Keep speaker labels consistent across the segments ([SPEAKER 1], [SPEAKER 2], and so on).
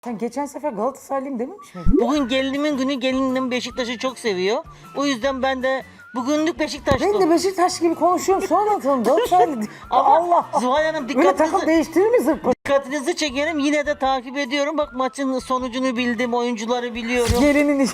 [SPEAKER 1] Sen geçen sefer Galatasaraylıyım dememiş miydin?
[SPEAKER 2] Bugün gelinimin günü, gelinim Beşiktaş'ı çok seviyor. O yüzden ben de bugünlük
[SPEAKER 1] Ben
[SPEAKER 2] Beşiktaşlıyım.
[SPEAKER 1] de Beşiktaş gibi konuşuyorum sonra atalım Galatasaraylı.
[SPEAKER 2] Ama
[SPEAKER 1] Allah!
[SPEAKER 2] Zuhal Hanım
[SPEAKER 1] Öyle takım değiştirir mi zırpı?
[SPEAKER 2] dikkatinizi çekerim. Yine de takip ediyorum. Bak maçın sonucunu bildim, oyuncuları biliyorum.
[SPEAKER 1] Gelinin iş.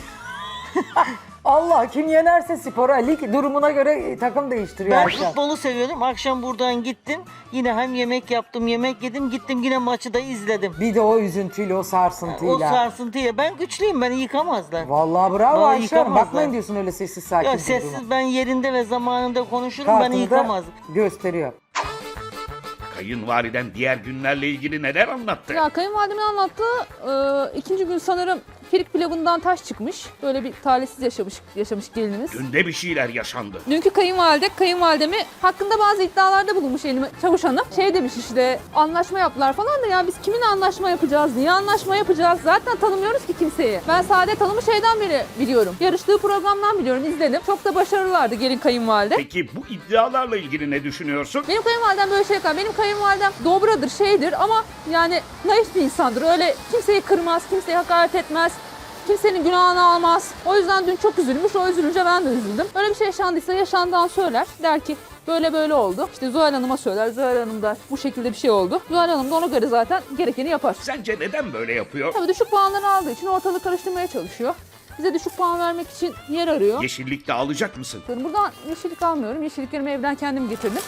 [SPEAKER 1] Allah kim yenerse spora, lig durumuna göre takım değiştiriyor.
[SPEAKER 2] Ben
[SPEAKER 1] herkes.
[SPEAKER 2] futbolu seviyorum. Akşam buradan gittim. Yine hem yemek yaptım, yemek yedim. Gittim yine maçı da izledim.
[SPEAKER 1] Bir de o üzüntüyle, o sarsıntıyla.
[SPEAKER 2] O sarsıntıyla. Ben güçlüyüm, beni yıkamazlar.
[SPEAKER 1] Vallahi bravo
[SPEAKER 2] Bana
[SPEAKER 1] Ayşe Hanım.
[SPEAKER 2] yıkamazlar.
[SPEAKER 1] Bakmayın diyorsun öyle sessiz sakin.
[SPEAKER 2] Ya
[SPEAKER 1] durduğuma.
[SPEAKER 2] sessiz ben yerinde ve zamanında konuşurum, beni
[SPEAKER 1] Kartını da
[SPEAKER 2] yıkamazlar.
[SPEAKER 1] gösteriyor.
[SPEAKER 3] Kayınvaliden diğer günlerle ilgili neler anlattı?
[SPEAKER 4] Ya kayınvalidemin anlattığı ikinci gün sanırım firik pilavından taş çıkmış. Böyle bir talihsiz yaşamış gelinimiz.
[SPEAKER 3] Dün de bir şeyler yaşandı.
[SPEAKER 4] Dünkü kayınvalidemi hakkında bazı iddialarda bulunmuş elime Çavuş Hanım. Şey demiş işte anlaşma yaptılar falan da ya biz kiminle anlaşma yapacağız, niye anlaşma yapacağız? Zaten tanımıyoruz ki kimseyi. Ben Saadet Hanım'ı şeyden beri biliyorum. Yarıştığı programdan biliyorum, izledim. Çok da başarılılardı gelin kayınvalide.
[SPEAKER 3] Peki bu iddialarla ilgili ne düşünüyorsun?
[SPEAKER 4] Benim kayınvalidem böyle şey yapar. Benim kayınvalidem dobradır, şeydir ama yani naif bir insandır. Öyle kimseyi kırmaz, kimseye hakaret etmez. Kimsenin günahını almaz. O yüzden dün çok üzülmüş. O üzülünce ben de üzüldüm. Öyle bir şey yaşandıysa yaşandığını söyler. Der ki böyle böyle oldu. İşte Zuhal Hanım'a söyler. Zuhal Hanım der bu şekilde bir şey oldu. Zuhal Hanım da ona göre zaten gerekeni yapar.
[SPEAKER 3] Sence neden böyle yapıyor?
[SPEAKER 4] Tabii düşük puanları aldığı için ortalığı karıştırmaya çalışıyor. Bize düşük puan vermek için yer arıyor.
[SPEAKER 3] Yeşillikte alacak mısın?
[SPEAKER 4] Buradan yeşillik almıyorum. Yeşilliklerimi evden kendim getirdim.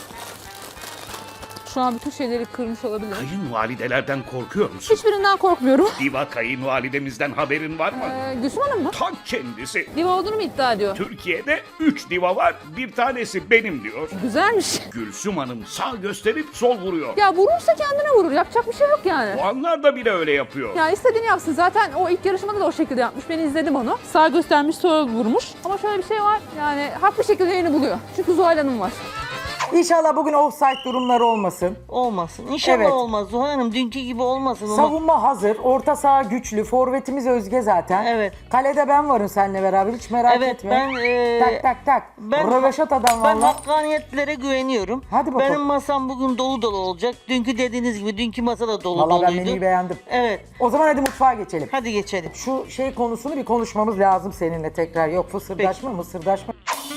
[SPEAKER 4] Şu an bütün şeyleri kırmış olabilirim.
[SPEAKER 3] Kayınvalidelerden korkuyor musun?
[SPEAKER 4] Hiçbirinden korkmuyorum.
[SPEAKER 3] Diva kayınvalidemizden haberin var mı?
[SPEAKER 4] Gülsüm Hanım mı?
[SPEAKER 3] Ta kendisi.
[SPEAKER 4] Diva olduğunu mu iddia ediyor?
[SPEAKER 3] Türkiye'de 3 diva var, bir tanesi benim diyor.
[SPEAKER 4] Güzelmiş.
[SPEAKER 3] Gülsüm Hanım sağ gösterip sol vuruyor.
[SPEAKER 4] Ya vurursa kendine vurur. Yapacak bir şey yok yani.
[SPEAKER 3] Bu anlarda bile öyle yapıyor.
[SPEAKER 4] Ya istediğini yapsın. Zaten o ilk yarışmada da o şekilde yapmış. Ben izledim onu. Sağ göstermiş, sol vurmuş. Ama şöyle bir şey var. Yani haklı şekilde yerini buluyor. Çünkü Zuhal Hanım var.
[SPEAKER 1] İnşallah bugün offside durumları olmasın.
[SPEAKER 2] Olmasın. İnşallah
[SPEAKER 1] Evet.
[SPEAKER 2] olmaz. Zuhal Hanım dünkü gibi olmasın. Ama
[SPEAKER 1] Savunma hazır, orta saha güçlü, forvetimiz Özge zaten.
[SPEAKER 2] Evet.
[SPEAKER 1] Kalede ben varım seninle beraber, hiç merak
[SPEAKER 2] Evet,
[SPEAKER 1] etme.
[SPEAKER 2] ben,
[SPEAKER 1] tak tak tak.
[SPEAKER 2] ben-
[SPEAKER 1] Röveşata'dan
[SPEAKER 2] ben
[SPEAKER 1] valla.
[SPEAKER 2] hakkaniyetlere güveniyorum.
[SPEAKER 1] Hadi bakalım.
[SPEAKER 2] Benim masam bugün dolu dolu olacak. Dünkü dediğiniz gibi dünkü masa da dolu
[SPEAKER 1] Valla ben
[SPEAKER 2] doluydu.
[SPEAKER 1] menüyü beğendim.
[SPEAKER 2] Evet.
[SPEAKER 1] O zaman hadi mutfağa geçelim.
[SPEAKER 2] Hadi geçelim.
[SPEAKER 1] Şu şey konusunu bir konuşmamız lazım seninle tekrar. Yok fısırdaşma mısırdaşma.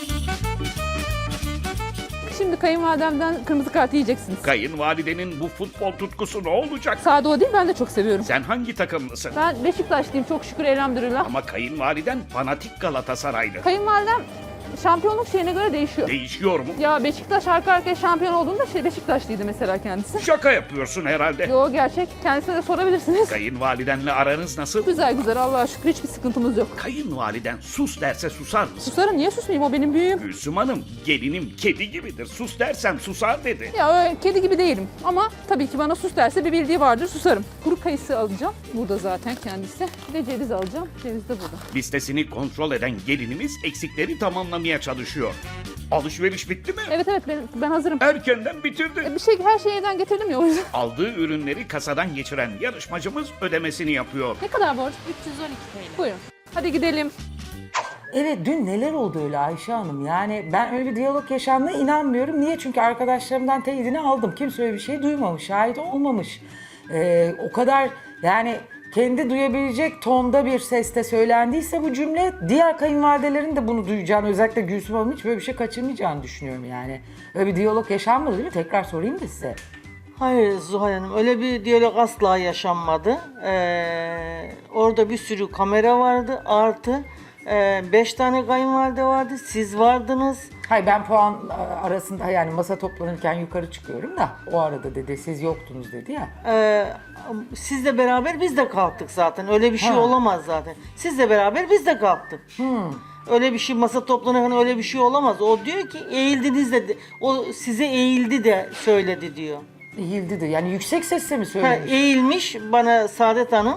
[SPEAKER 4] Şimdi kayınvalidemden kırmızı kart yiyeceksiniz.
[SPEAKER 3] Kayınvalidenin bu futbol tutkusu ne olacak?
[SPEAKER 4] Sade o değil, ben de çok seviyorum.
[SPEAKER 3] Sen hangi takımlısın?
[SPEAKER 4] Ben Beşiktaşlıyım çok şükür elhamdülillah.
[SPEAKER 3] Ama kayınvaliden fanatik Galatasaraylı.
[SPEAKER 4] Kayınvalidem şampiyonluk şeyine göre değişiyor.
[SPEAKER 3] Değişiyor mu?
[SPEAKER 4] Ya Beşiktaş arka arkaya şampiyon olduğunda Beşiktaşlıydı mesela kendisi.
[SPEAKER 3] Şaka yapıyorsun herhalde.
[SPEAKER 4] Yo gerçek. Kendisine de sorabilirsiniz.
[SPEAKER 3] Kayınvalidenle aranız nasıl?
[SPEAKER 4] Güzel güzel Allah'a şükür hiçbir sıkıntımız yok.
[SPEAKER 3] Kayınvaliden sus derse susar mısın?
[SPEAKER 4] Susarım, niye susmayayım, o benim büyüğüm.
[SPEAKER 3] Gülsüm Hanım, gelinim kedi gibidir. Sus dersem susar dedi.
[SPEAKER 4] Ya öyle kedi gibi değilim ama tabii ki bana sus derse bir bildiği vardır, susarım. Kuru kayısı alacağım. Burada zaten kendisi. Bir de ceviz alacağım. Ceviz de burada.
[SPEAKER 3] Listesini kontrol eden gelinimiz eksikleri tamamlamaya çalışıyor. Alışveriş bitti mi?
[SPEAKER 4] Evet ben hazırım.
[SPEAKER 3] Erkenden bitirdi.
[SPEAKER 4] Her şeyi evden getirdim ya o yüzden.
[SPEAKER 3] Aldığı ürünleri kasadan geçiren yarışmacımız ödemesini yapıyor.
[SPEAKER 4] Ne kadar borç? 312 TL. Buyurun. Hadi gidelim.
[SPEAKER 1] Evet dün neler oldu öyle Ayşe Hanım? Yani ben öyle bir diyalog yaşandığına inanmıyorum. Niye? Çünkü arkadaşlarımdan teyidini aldım. Kimse öyle bir şey duymamış, şahit olmamış. O kadar yani kendi duyabilecek tonda bir sesle söylendiyse bu cümle diğer kayınvalidelerin de bunu duyacağını, özellikle Gülsüm Hanım'ın hiç böyle bir şey kaçırmayacağını düşünüyorum yani. Öyle bir diyalog yaşanmadı değil mi? Tekrar sorayım da size.
[SPEAKER 2] Hayır Zuhal Hanım, öyle bir diyalog asla yaşanmadı. Orada bir sürü kamera vardı, artı 5 tane kayınvalide vardı, siz vardınız.
[SPEAKER 1] Hayır ben puan arasında yani masa toplanırken yukarı çıkıyorum da o arada dedi siz yoktunuz dedi ya.
[SPEAKER 2] Sizle beraber biz de kalktık zaten, öyle bir şey
[SPEAKER 1] Ha.
[SPEAKER 2] olamaz zaten. Sizle beraber biz de kalktık. Öyle bir şey, masa toplanırken öyle bir şey olamaz. O diyor ki eğildiniz de, o size eğildi de söyledi diyor.
[SPEAKER 1] Eğildi de yani yüksek sesle mi
[SPEAKER 2] Ha,
[SPEAKER 1] söylemiş?
[SPEAKER 2] eğilmiş bana Saadet Hanım,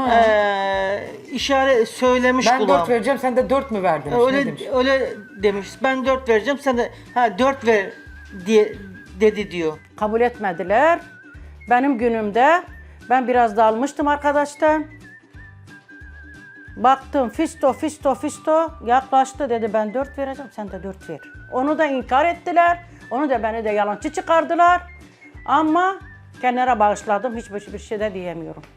[SPEAKER 2] işaret söylemiş
[SPEAKER 1] Ben
[SPEAKER 2] kulağım.
[SPEAKER 1] 4 vereceğim sen de 4 mü verdin? Ne
[SPEAKER 2] Öyle
[SPEAKER 1] demiş?
[SPEAKER 2] öyle demiş. Ben 4 vereceğim, sen de 4 ver diye dedi diyor.
[SPEAKER 5] Kabul etmediler. Benim günümde ben biraz da almıştım arkadaştan. Baktım fisto yaklaştı dedi ben 4 vereceğim sen de 4 ver. Onu da inkar ettiler. Onu da beni de yalancı çıkardılar. Ama kenara bağışladım hiçbir şey de diyemiyorum.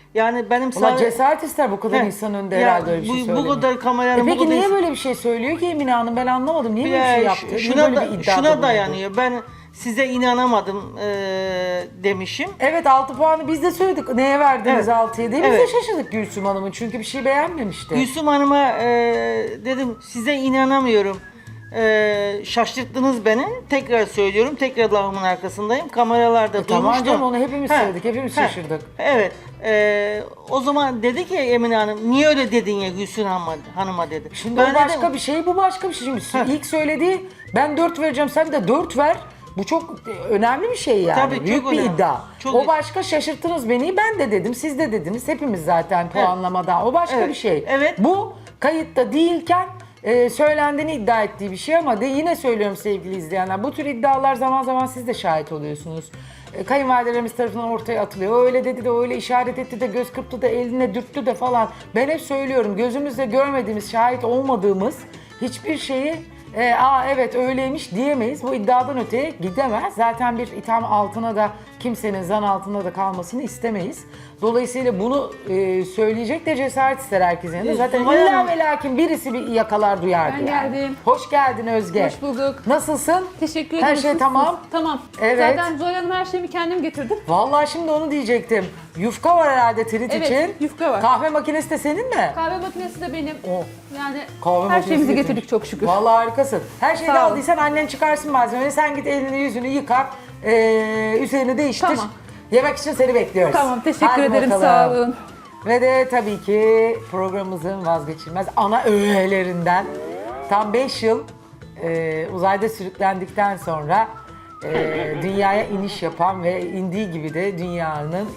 [SPEAKER 2] Yani benim
[SPEAKER 1] Ulan cesaret ister bu kadar
[SPEAKER 2] Heh,
[SPEAKER 1] insan önünde
[SPEAKER 2] ya
[SPEAKER 1] herhalde öyle bir şey
[SPEAKER 2] bu
[SPEAKER 1] söylemek.
[SPEAKER 2] kadar kameranın bu
[SPEAKER 1] Peki
[SPEAKER 2] kadar
[SPEAKER 1] niye böyle bir şey söylüyor ki Emine Hanım? Ben anlamadım. Niye böyle bir şey yaptı? Niye
[SPEAKER 2] şuna,
[SPEAKER 1] böyle bir iddiada
[SPEAKER 2] şuna
[SPEAKER 1] bulundu?
[SPEAKER 2] dayanıyor. Ben size inanamadım demişim.
[SPEAKER 1] Evet 6 puanı biz de söyledik. Neye verdiniz
[SPEAKER 2] Evet.
[SPEAKER 1] 6'ya diye. Biz
[SPEAKER 2] Evet.
[SPEAKER 1] de şaşırdık Gülsüm Hanım'ın. Çünkü bir şey beğenmemişti.
[SPEAKER 2] Gülsüm Hanım'a dedim size inanamıyorum. Şaşırttınız beni. Tekrar söylüyorum. Tekrar lafımın arkasındayım. Kameralarda duymuştum.
[SPEAKER 1] Tamam canım onu hepimiz
[SPEAKER 2] He,
[SPEAKER 1] söyledik. Hepimiz
[SPEAKER 2] he,
[SPEAKER 1] şaşırdık.
[SPEAKER 2] Evet. O zaman dedi ki Emine Hanım niye öyle dedin ya Gülsüm Hanım'a dedi.
[SPEAKER 1] Şimdi
[SPEAKER 2] Ben
[SPEAKER 1] o başka
[SPEAKER 2] dedim,
[SPEAKER 1] bir şey, bu başka bir şey. Şimdi
[SPEAKER 2] Heh.
[SPEAKER 1] ilk söylediği ben 4 vereceğim, sen de 4 ver. Bu çok önemli bir şey yani.
[SPEAKER 2] Tabii,
[SPEAKER 1] Büyük
[SPEAKER 2] çok
[SPEAKER 1] bir
[SPEAKER 2] önemli.
[SPEAKER 1] iddia.
[SPEAKER 2] Çok
[SPEAKER 1] O başka, şaşırttınız beni. Ben de dedim, siz de dediniz. Hepimiz zaten puanlamada. O başka
[SPEAKER 2] Evet.
[SPEAKER 1] bir şey.
[SPEAKER 2] Evet.
[SPEAKER 1] Bu kayıtta değilken söylendiğini iddia ettiği bir şey ama yine söylüyorum sevgili izleyenler. Bu tür iddialar zaman zaman siz de şahit oluyorsunuz. Kayınvalidelerimiz tarafından ortaya atılıyor. Öyle dedi de, öyle işaret etti de, göz kırptı da, eline dürttü de falan. Ben hep söylüyorum, gözümüzle görmediğimiz, şahit olmadığımız hiçbir şeyi evet öyleymiş diyemeyiz. Bu iddiadan öteye gidemez. Zaten bir itham altına da, kimsenin zan altında da kalmasını istemeyiz. Dolayısıyla bunu söyleyecek de cesaret ister herkesin yanında. Zaten
[SPEAKER 2] Zuhal
[SPEAKER 1] illa
[SPEAKER 2] Hanım-
[SPEAKER 1] ve lakin birisi bir yakalar duyardı
[SPEAKER 4] Ben
[SPEAKER 1] yani.
[SPEAKER 4] geldim.
[SPEAKER 1] Hoş geldin Özge.
[SPEAKER 4] Hoş bulduk.
[SPEAKER 1] Nasılsın?
[SPEAKER 4] Teşekkür
[SPEAKER 1] Her
[SPEAKER 4] ederim.
[SPEAKER 1] şey
[SPEAKER 4] Siz-
[SPEAKER 1] tamam.
[SPEAKER 4] Tamam.
[SPEAKER 1] Evet.
[SPEAKER 4] Zaten Zuhal Hanım her şeyimi kendim getirdim.
[SPEAKER 1] Vallahi şimdi onu diyecektim. Yufka var herhalde trit
[SPEAKER 4] Evet,
[SPEAKER 1] için.
[SPEAKER 4] yufka var.
[SPEAKER 1] Kahve makinesi de senin mi?
[SPEAKER 4] Kahve makinesi de benim.
[SPEAKER 1] Oh.
[SPEAKER 4] Yani
[SPEAKER 1] Kahve
[SPEAKER 4] her
[SPEAKER 1] makinesi
[SPEAKER 4] şeyimizi
[SPEAKER 1] getirmiş.
[SPEAKER 4] getirdik çok şükür.
[SPEAKER 1] Vallahi harikasın. Her şeyi de
[SPEAKER 4] Sağ ol.
[SPEAKER 1] aldıysan annen çıkarsın malzemeyi. Sen git elini yüzünü yıka. Üzerini değiştir.
[SPEAKER 4] Tamam.
[SPEAKER 1] Yemek için seni bekliyoruz.
[SPEAKER 4] Tamam, teşekkür
[SPEAKER 1] Hadi
[SPEAKER 4] ederim.
[SPEAKER 1] bakalım.
[SPEAKER 4] Sağ olun.
[SPEAKER 1] Ve de tabii ki programımızın vazgeçilmez ana öğelerinden tam 5 yıl uzayda sürüklendikten sonra dünyaya iniş yapan ve indiği gibi de dünyanın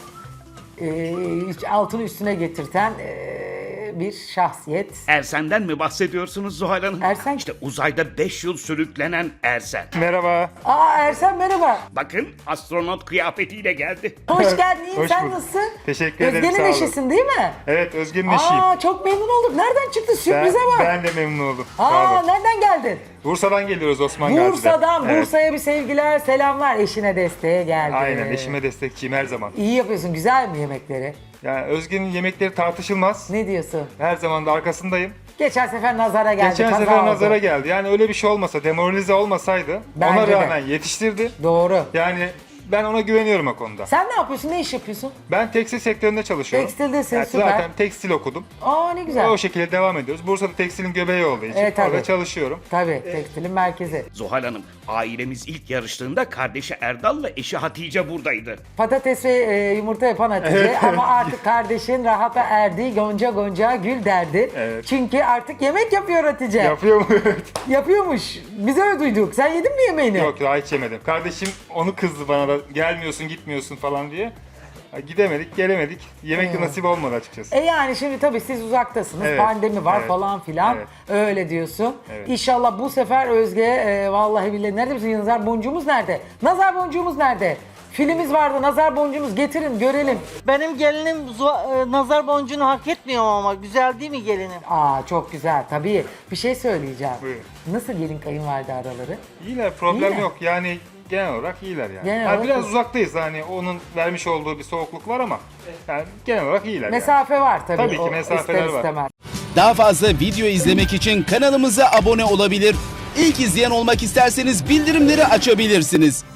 [SPEAKER 1] altını üstüne getirten bir şahsiyet.
[SPEAKER 3] Ersen'den mi bahsediyorsunuz Zuhal Hanım?
[SPEAKER 1] Ersen-
[SPEAKER 3] İşte uzayda 5 yıl sürüklenen Ersen.
[SPEAKER 6] Merhaba.
[SPEAKER 1] Aa Ersen merhaba.
[SPEAKER 3] Bakın astronot kıyafetiyle geldi.
[SPEAKER 1] Hoş geldin. İyiyim.
[SPEAKER 6] Hoş
[SPEAKER 1] Sen
[SPEAKER 6] bulduk.
[SPEAKER 1] nasılsın?
[SPEAKER 6] Teşekkür ederim,
[SPEAKER 1] Özge'nin
[SPEAKER 6] sağ olun.
[SPEAKER 1] eşisin değil mi?
[SPEAKER 6] Evet, Özge'nin eşiyim.
[SPEAKER 1] Aa çok memnun olduk. Nereden çıktı? Sürprize bak.
[SPEAKER 6] Ben de memnun oldum. Sağ
[SPEAKER 1] Aa
[SPEAKER 6] olun.
[SPEAKER 1] nereden geldin?
[SPEAKER 6] Bursa'dan geliyoruz, Osman Gazi'den.
[SPEAKER 1] Bursa'dan.
[SPEAKER 6] Evet.
[SPEAKER 1] Bursa'ya bir sevgiler, selamlar. Eşine desteğe geldi.
[SPEAKER 6] Aynen, eşime destekçiyim her zaman.
[SPEAKER 1] İyi yapıyorsun. Güzel mi yemekleri?
[SPEAKER 6] Yani Özge'nin yemekleri tartışılmaz.
[SPEAKER 1] Ne diyorsun?
[SPEAKER 6] Her zaman da arkasındayım.
[SPEAKER 1] Geçen sefer nazara geldi.
[SPEAKER 6] Geçen
[SPEAKER 1] kaza
[SPEAKER 6] sefer
[SPEAKER 1] oldu.
[SPEAKER 6] nazara geldi. Yani öyle bir şey olmasa, demoralize olmasaydı
[SPEAKER 1] Bence
[SPEAKER 6] ona
[SPEAKER 1] de.
[SPEAKER 6] rağmen yetiştirdi.
[SPEAKER 1] Doğru.
[SPEAKER 6] Yani ben ona güveniyorum o konuda.
[SPEAKER 1] Sen ne yapıyorsun? Ne iş yapıyorsun?
[SPEAKER 6] Ben tekstil sektöründe çalışıyorum.
[SPEAKER 1] Tekstildesin,
[SPEAKER 6] Yani
[SPEAKER 1] süper.
[SPEAKER 6] Zaten tekstil okudum.
[SPEAKER 1] Aa ne güzel.
[SPEAKER 6] O şekilde devam ediyoruz. Bursa'da tekstilin göbeği olduğu için
[SPEAKER 1] Evet, tabii.
[SPEAKER 6] orada çalışıyorum.
[SPEAKER 1] Tabii. Tekstilin merkezi.
[SPEAKER 3] Zuhal Hanım, ailemiz ilk yarıştığında kardeşi Erdal'la eşi Hatice buradaydı.
[SPEAKER 1] Patates ve yumurta yapan Hatice ama artık kardeşin rahata erdi. Gonca gonca gül derdi.
[SPEAKER 6] Evet.
[SPEAKER 1] Çünkü artık yemek yapıyor Hatice.
[SPEAKER 6] Yapıyor mu?
[SPEAKER 1] Yapıyormuş. Biz öyle duyduk. Sen yedin mi yemeğini?
[SPEAKER 6] Yok, daha hiç yemedim. Kardeşim onu kızdı bana da, gelmiyorsun gitmiyorsun falan diye. Ya gidemedik, gelemedik. Yemek de nasip olmadı açıkçası.
[SPEAKER 1] Yani şimdi tabii siz uzaktasınız.
[SPEAKER 6] Evet,
[SPEAKER 1] Pandemi var
[SPEAKER 6] evet,
[SPEAKER 1] falan filan.
[SPEAKER 6] evet.
[SPEAKER 1] Öyle diyorsun.
[SPEAKER 6] Evet.
[SPEAKER 1] İnşallah bu sefer Özge vallahi billahi nerede bizim nazar boncuğumuz nerede? Nazar boncuğumuz nerede? Filmimiz vardı. Nazar boncuğumuz getirin görelim.
[SPEAKER 2] Benim gelinim nazar boncuğunu hak etmiyor ama güzel değil mi gelinim?
[SPEAKER 1] Aa çok güzel tabii. Bir şey söyleyeceğim.
[SPEAKER 6] Buyurun.
[SPEAKER 1] Nasıl gelin kayınvalide araları?
[SPEAKER 6] İyiler, problem
[SPEAKER 1] İyiler.
[SPEAKER 6] yok. Yani genel olarak iyiler yani.
[SPEAKER 1] Genel
[SPEAKER 6] Ha,
[SPEAKER 1] olarak
[SPEAKER 6] biraz
[SPEAKER 1] iyi.
[SPEAKER 6] uzaktayız, hani onun vermiş olduğu bir soğukluk var ama yani genel olarak iyiler.
[SPEAKER 1] Mesafe var tabii.
[SPEAKER 6] Tabii ki
[SPEAKER 1] o
[SPEAKER 6] mesafeler
[SPEAKER 1] ister
[SPEAKER 6] var.
[SPEAKER 1] istemez.
[SPEAKER 7] Daha fazla video izlemek için kanalımıza abone olabilir. İlk izleyen olmak isterseniz bildirimleri açabilirsiniz.